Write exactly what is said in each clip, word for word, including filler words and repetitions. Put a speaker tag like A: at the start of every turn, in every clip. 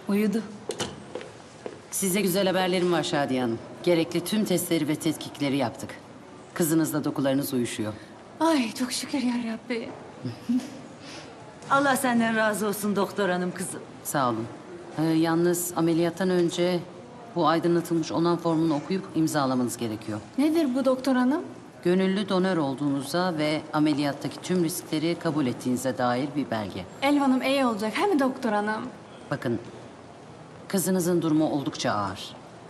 A: Uyudu.
B: Size güzel haberlerim var Şadiye Hanım. Gerekli tüm testleri ve tetkikleri yaptık. Kızınızla dokularınız uyuşuyor.
A: Ay çok şükür ya Rabbi.
C: Allah senden razı olsun doktor hanım kızım.
B: Sağ olun. Ee, yalnız ameliyattan önce bu aydınlatılmış onan formunu okuyup imzalamanız gerekiyor.
A: Nedir bu doktor hanım?
B: Gönüllü donör olduğunuza ve ameliyattaki tüm riskleri kabul ettiğinize dair bir belge.
A: Elvan'ım iyi olacak. He mi doktor hanım?
B: Bakın, kızınızın durumu oldukça ağır.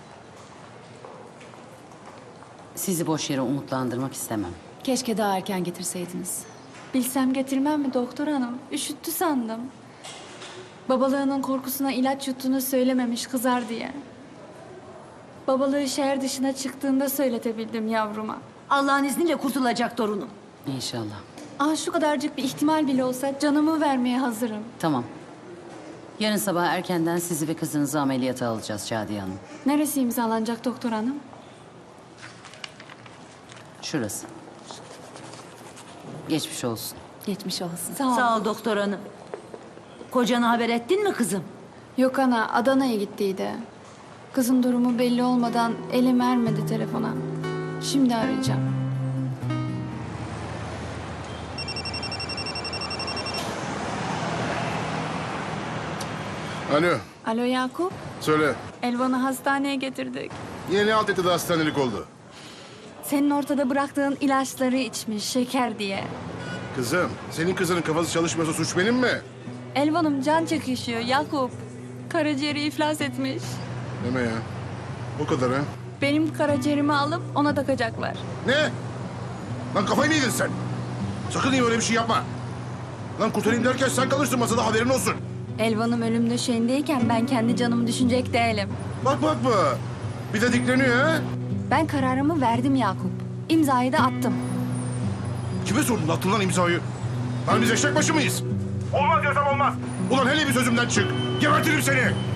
B: Sizi boş yere umutlandırmak istemem.
D: Keşke daha erken getirseydiniz.
A: Bilsem getirmem mi doktor hanım? Üşüttü sandım. Babalığının korkusuna ilaç yuttuğunu söylememiş kızar diye. Babalığı şehir dışına çıktığında söyletebildim yavruma.
C: Allah'ın izniyle kurtulacak torunum.
B: İnşallah.
A: Ah şu kadarcık bir ihtimal bile olsa canımı vermeye hazırım.
B: Tamam. Yarın sabah erkenden sizi ve kızınızı ameliyata alacağız Şadiye Hanım.
A: Neresi imzalanacak doktor hanım?
B: Şurası. Geçmiş olsun.
D: Geçmiş olsun.
A: Sağ ol.
C: Sağ ol doktor hanım. Kocana haber ettin mi kızım?
A: Yok ana, Adana'ya gittiydi. Kızın durumu belli olmadan elim ermedi telefona. Şimdi arayacağım.
E: Alo,
A: Alo Yakup,
E: söyle.
A: Elvan'ı hastaneye getirdik.
E: Yine ne alt etti de hastanelik oldu?
A: Senin ortada bıraktığın ilaçları içmiş, şeker diye.
E: Kızım, senin kızının kafası çalışmıyorsa suç benim mi?
A: Elvan'ım can çekişiyor Yakup. Karaciğeri iflas etmiş.
E: Deme ya. O kadar ha.
A: Benim karaciğerimi alıp ona takacaklar.
E: Ne? Lan kafayı mı yedin sen? Sakın iyi öyle bir şey yapma. Lan kurtarayım derken sen kalırsın masada, haberin olsun.
A: Elvan'ım ölüm döşeğindeyken ben kendi canımı düşünecek değilim.
E: Bak bak bu. Bir de dikleniyor ha.
A: Ben kararımı verdim Yakup. İmzayı da attım.
E: Kime sordun, attın lan imzayı? Lan biz eşek başı mıyız? Olmaz diyorsam olmaz. Ulan hele bir sözümden çık. Gebertirim seni.